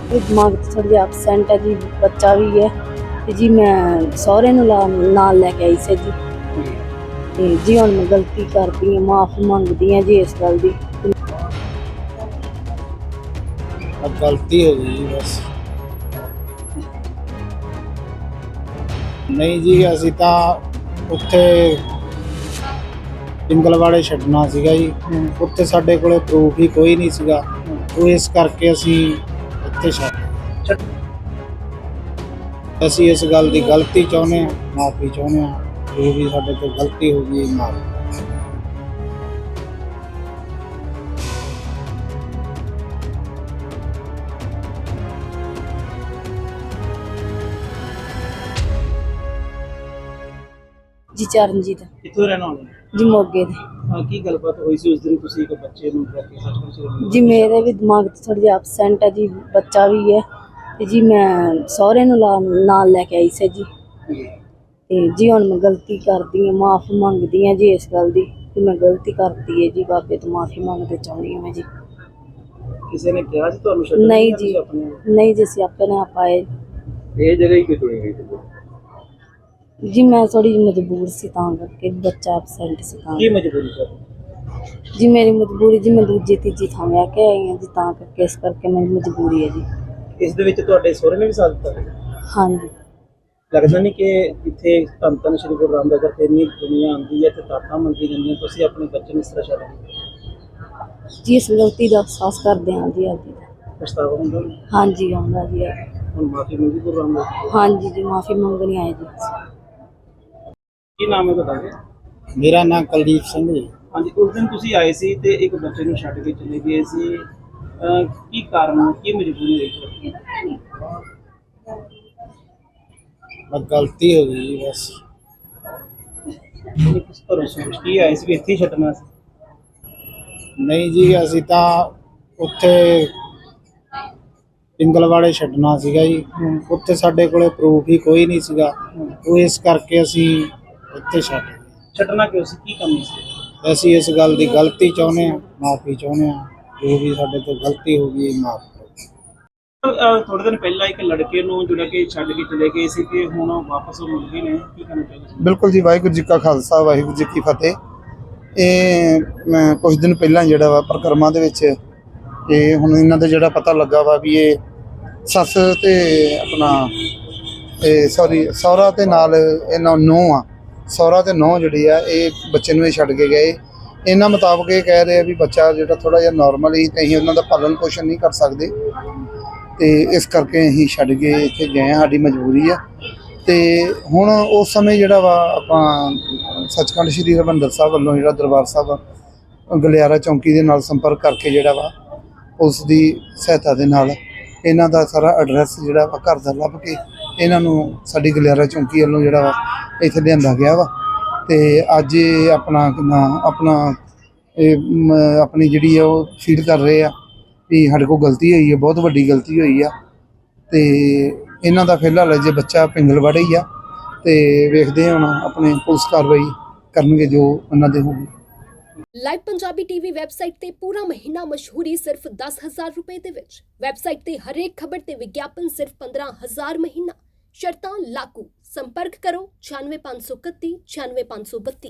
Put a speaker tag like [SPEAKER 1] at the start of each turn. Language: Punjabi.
[SPEAKER 1] ਦਿਮਾਗ 'ਚ ਥੋੜ੍ਹਾ ਜਿਹਾ ਐਬਸੈਂਟ ਹੈ ਜੀ, ਬੱਚਾ ਵੀ ਹੈ ਤੇ ਜੀ ਮੈਂ ਸਹੁਰੇ ਨੂੰ ਨਾਲ ਲੈ ਕੇ ਆਈ ਸੀ ਜੀ। ਤੇ ਜੀ ਹੁਣ ਮੈਂ ਗਲਤੀ ਕਰਦੀ ਹਾਂ, ਮਾਫ਼ੀ ਮੰਗਦੀ ਹਾਂ ਜੀ ਇਸ ਗੱਲ ਦੀ।
[SPEAKER 2] अब गलती हो गई जी बस। ਨਹੀਂ ਜੀ ਅਸੀਂ ਤਾਂ ਉੱਥੇ ਪਿੰਗਲਵਾੜੇ ਛੱਡਣਾ ਸੀਗਾ ਜੀ। ਉੱਥੇ ਸਾਡੇ ਕੋਲੇ ਪ੍ਰੂਫ ਹੀ ਕੋਈ ਨਹੀਂ ਸੀਗਾ, ਉਹ ਇਸ ਕਰਕੇ ਅਸੀਂ ਇੱਥੇ ਛੱਡ। ਅਸੀਂ ਇਸ ਗੱਲ ਦੀ ਗਲਤੀ ਚਾਹੁੰਦੇ ਹਾਂ, ਮਾਫੀ ਚਾਹੁੰਦੇ ਹਾਂ, ਜੋ ਵੀ ਸਾਡੇ ਤੋਂ ਗਲਤੀ ਹੋ ਗਈ ਮਾਫੀ।
[SPEAKER 1] ਜੀ ਚਰਨਜੀਤ
[SPEAKER 3] ਕਿੱਥੋਂ ਰਹਿਣਾ ਹੋਣਾ
[SPEAKER 1] ਜੀ, ਮੋਗੇ ਦੇ।
[SPEAKER 3] ਕੀ ਗੱਲਬਾਤ ਹੋਈ ਸੀ ਉਸ ਦਿਨ ਤੁਸੀਂ ਇੱਕ ਬੱਚੇ ਨੂੰ ਲੈ ਕੇ ਸੱਚਮੁੱਚ
[SPEAKER 1] ਜੀ ਮੇਰੇ ਵੀ ਦਿਮਾਗ 'ਚ ਥੋੜ੍ਹਾ ਜਿਹਾ ਐਬਸੈਂਟ ਹੈ ਜੀ, ਬੱਚਾ ਵੀ ਹੈ ਤੇ ਜੀ ਮੈਂ ਸਹੁਰੇ ਨੂੰ ਨਾਲ ਲੈ ਕੇ ਆਈ ਸੀ ਜੀ। ਤੇ ਜੀ ਹੁਣ ਮੈਂ ਗਲਤੀ ਕਰਦੀ ਹਾਂ, ਮਾਫ਼ੀ ਮੰਗਦੀ ਹਾਂ ਜੀ ਇਸ ਗੱਲ ਦੀ ਕਿ ਮੈਂ ਗਲਤੀ ਕਰਤੀ ਹੈ ਜੀ। ਬਾਬੇ ਤੋਂ ਮਾਫ਼ੀ ਮੰਗਦੇ ਚਾਹੁੰਦੀ ਹਾਂ ਮੈਂ ਜੀ।
[SPEAKER 3] ਕਿਸੇ ਨੇ ਕਿਹਾ ਸੀ ਤੁਹਾਨੂੰ ਛੱਡਣ
[SPEAKER 1] ਨਹੀਂ
[SPEAKER 3] ਜਾਂ
[SPEAKER 1] ਜੀ,
[SPEAKER 3] ਤੁਸੀਂ ਆਪਣੇ ਆਪ?
[SPEAKER 1] ਨਹੀਂ ਜੀ, ਅਸੀਂ ਆਪਣੇ ਆਪ ਆਏ।
[SPEAKER 3] ਇਹ ਜਗ੍ਹਾ ਹੀ ਕਿਉਂ ਚੁਣੀ ਗਈ ਸੀ?
[SPEAKER 1] ਜੀ ਮੈਂ ਥੋੜੀ ਜਿਹੀ ਮਜਬੂਰ ਸੀ ਤਾਂ ਕਰਕੇ, ਬੱਚਾ ਐਬਸੈਂਟ ਸੀ ਤਾਂ।
[SPEAKER 3] ਕੀ ਮਜਬੂਰੀ ਸਰ?
[SPEAKER 1] ਜੀ ਮੇਰੀ ਮਜਬੂਰੀ ਜੀ, ਮੈਂ ਦੂਜੀ ਤੀਜੀ ਥਾਂ ਵਿਆਹ ਕੇ ਆਈ ਹਾਂ ਜੀ, ਤਾਂ ਕਰਕੇ ਇਸ ਕਰਕੇ ਮੇਰੀ ਮਜਬੂਰੀ ਹੈ ਜੀ।
[SPEAKER 3] ਇਸ ਦੇ ਵਿੱਚ ਤੁਹਾਡੇ ਸਹੁਰੇ ਨੇ ਵੀ ਸਾਥ ਦਿੱਤਾ?
[SPEAKER 1] ਹਾਂਜੀ।
[SPEAKER 3] ਲੱਗਦਾ ਨਹੀਂ ਕਿ ਇੱਥੇ ਧੰਨ ਧੰਨ ਸ਼੍ਰੀ ਗੁਰੂ ਰਾਮਦਾਸ ਜੀ ਇੰਨੀ ਦੁਨੀਆ ਆਉਂਦੀ ਹੈ ਤੇ ਤਾਟਾਂ ਮੰਗੀ ਜਾਂਦੀਆਂ, ਤੁਸੀਂ ਆਪਣੇ ਬੱਚੇ ਨੂੰ ਇਸ ਤਰ੍ਹਾਂ ਛੱਡ ਦਿੱਤਾ?
[SPEAKER 1] ਜੀ ਇਸ ਗਲਤੀ ਦਾ ਅਹਿਸਾਸ ਕਰਦੇ ਹਾਂ ਜੀ ਅੱਜ।
[SPEAKER 3] ਪਛਤਾਵਾ ਹੁੰਦਾ?
[SPEAKER 1] ਹਾਂਜੀ ਆਉਂਦਾ ਜੀ।
[SPEAKER 3] ਹੁਣ ਮਾਫੀ ਮੰਗੀ ਗੁਰੂ ਰਾਮਦਾਸ ਜੀ?
[SPEAKER 1] ਹਾਂਜੀ ਜੀ, ਮਾਫ਼ੀ ਮੰਗਣੀ ਆਏ ਜੀ।
[SPEAKER 3] ਕੀ ਨਾਮ ਹੈ ਤੁਹਾਡਾ?
[SPEAKER 2] ਮੇਰਾ ਨਾਮ ਕੁਲਦੀਪ ਸਿੰਘ ਜੀ।
[SPEAKER 3] ਹਾਂਜੀ, ਉਸ ਦਿਨ ਤੁਸੀਂ ਆਏ ਸੀ ਤੇ ਇੱਕ ਬੱਚੇ ਨੂੰ ਛੱਡ ਕੇ ਚਲੇ ਗਏ ਸੀ, ਕੀ ਕਾਰਨ, ਕੀ ਮਜਬੂਰੀ ਹੋਈ?
[SPEAKER 2] ਬਸ ਗਲਤੀ ਹੋ ਗਈ ਜੀ ਬਸ।
[SPEAKER 3] ਕਿਸ ਤਰ੍ਹਾਂ ਸੋਚ ਕੀ ਆਏ ਸੀ ਵੀ ਇੱਥੇ ਹੀ ਛੱਡਣਾ ਸੀ?
[SPEAKER 2] ਨਹੀਂ ਜੀ ਅਸੀਂ ਤਾਂ ਉੱਥੇ ਪਿੰਗਲਵਾੜੇ ਛੱਡਣਾ ਸੀਗਾ ਜੀ। ਉੱਥੇ ਸਾਡੇ ਕੋਲੇ ਪ੍ਰੂਫ ਹੀ ਕੋਈ ਨਹੀਂ ਸੀਗਾ, ਉਹ ਇਸ ਕਰਕੇ ਅਸੀਂ ਇੱਥੇ ਛੱਡ।
[SPEAKER 3] ਛੱਡਣਾ ਕਿਉਂ ਸੀ, ਕੀ ਕੰਮ ਸੀ?
[SPEAKER 2] ਅਸੀਂ ਇਸ ਗੱਲ ਦੀ ਗਲਤੀ ਚਾਹੁੰਦੇ ਹਾਂ, ਮਾਫੀ ਚਾਹੁੰਦੇ ਹਾਂ, ਜੋ ਵੀ ਸਾਡੇ ਤੋਂ ਗਲਤੀ ਹੋ ਗਈ ਮਾਫ ਕਰੋ।
[SPEAKER 3] ਥੋੜੇ ਦਿਨ ਪਹਿਲਾਂ ਇੱਕ ਲੜਕੇ ਨੂੰ ਜਿਹੜਾ ਕਿ ਛੱਡ ਕੇ ਚਲੇ ਗਏ ਸੀ ਤੇ ਹੁਣ ਵਾਪਸ ਉਹ ਮਿਲ ਗਏ ਨੇ, ਕੀ ਕਹਿਣਾ ਚਾਹੁੰਦੇ?
[SPEAKER 4] ਬਿਲਕੁਲ ਜੀ, ਵਾਹਿਗੁਰੂ ਜੀ ਕਾ ਖਾਲਸਾ, ਵਾਹਿਗੁਰੂ ਜੀ ਕੀ ਫਤਿਹ। ਇਹ ਮੈਂ ਕੁਝ ਦਿਨ ਪਹਿਲਾਂ ਜਿਹੜਾ ਵਾ ਪਰਿਕਰਮਾ ਦੇ ਵਿੱਚ ਇਹ ਹੁਣ ਇਹਨਾਂ ਦਾ ਜਿਹੜਾ ਪਤਾ ਲੱਗਾ ਵਾ ਵੀ ਇਹ ਸੱਸ ਤੇ ਆਪਣਾ ਸਹੁਰਾ ਤੇ ਨਾਲ ਇਹਨਾਂ ਨੂੰਹ ਆ, ਸਹੁਰਾ ਤੇ ਨੂੰਹ ਜਿਹੜੀ ਆ ਇਹ ਬੱਚੇ ਨੂੰ ਇਹ ਛੱਡ ਕੇ ਗਏ। ਇਹਨਾਂ ਮੁਤਾਬਕ ਇਹ ਕਹਿ ਰਹੇ ਆ ਵੀ ਬੱਚਾ ਜਿਹੜਾ ਥੋੜ੍ਹਾ ਜਿਹਾ ਨੋਰਮਲ ਹੀ ਤੇ ਅਸੀਂ ਉਹਨਾਂ ਦਾ ਪਾਲਣ ਪੋਸ਼ਣ ਨਹੀਂ ਕਰ ਸਕਦੇ ਤੇ ਇਸ ਕਰਕੇ ਅਸੀਂ ਛੱਡ ਕੇ ਇੱਥੇ ਗਏ ਹਾਂ, ਸਾਡੀ ਮਜਬੂਰੀ ਆ। ਤੇ ਹੁਣ ਉਸ ਸਮੇਂ ਜਿਹੜਾ ਵਾ ਆਪਾਂ ਸੱਚਖੰਡ ਸ੍ਰੀ ਹਰਿਮੰਦਰ ਸਾਹਿਬ ਵੱਲੋਂ ਜਿਹੜਾ ਦਰਬਾਰ ਸਾਹਿਬ ਗਲਿਆਰਾ ਚੌਂਕੀ ਦੇ ਨਾਲ ਸੰਪਰਕ ਕਰਕੇ ਜਿਹੜਾ ਵਾ ਉਸ ਦੀ ਸਹਾਇਤਾ ਦੇ ਨਾਲ ਇਹਨਾਂ ਦਾ ਸਾਰਾ ਐਡਰੈਸ ਜਿਹੜਾ ਵਾ ਘਰ ਦਾ ਲੱਭ ਕੇ ਇਹਨਾਂ ਨੂੰ ਸਾਡੀ ਗਲਿਆਰਾ ਚੌਂਕੀ ਵੱਲੋਂ ਜਿਹੜਾ ਵਾ ਇੱਥੇ ਲਿਆਂਦਾ ਗਿਆ ਵਾ। ਤੇ ਅੱਜ ਇਹ ਆਪਣੀ ਜਿਹੜੀ ਆ ਉਹ ਫੀਲ ਕਰ ਰਹੇ ਆ ਵੀ ਸਾਡੇ ਕੋਲ ਗਲਤੀ ਹੋਈ ਹੈ, ਬਹੁਤ ਵੱਡੀ ਗਲਤੀ ਹੋਈ ਆ। ਤੇ ਇਹਨਾਂ ਦਾ ਫਿਲਹਾਲ ਜੇ ਬੱਚਾ ਪਿੰਗਲਵਾੜੇ ਹੀ ਆ ਤੇ ਵੇਖਦੇ ਹੁਣ ਆਪਣੇ ਪੁਲਿਸ ਕਾਰਵਾਈ ਕਰਨਗੇ ਜੋ ਉਹਨਾਂ ਦੇ ਹੋਊਗੀ।
[SPEAKER 5] ਲਾਈਵ ਪੰਜਾਬੀ ਟੀਵੀ ਵੈਬਸਾਈਟ ਤੇ ਪੂਰਾ ਮਹੀਨਾ ਮਸ਼ਹੂਰੀ ਸਿਰਫ 10,000 ਰੁਪਏ ਦੇ ਵਿੱਚ। ਵੈਬਸਾਈਟ ਤੇ ਹਰੇਕ ਖਬਰ ਤੇ ਵਿਗਿਆਪਨ ਸਿਰਫ 15,000 ਮਹੀਨਾ। ਸ਼ਰਤਾਂ ਲਾਗੂ। ਸੰਪਰਕ ਕਰੋ 96531 96532।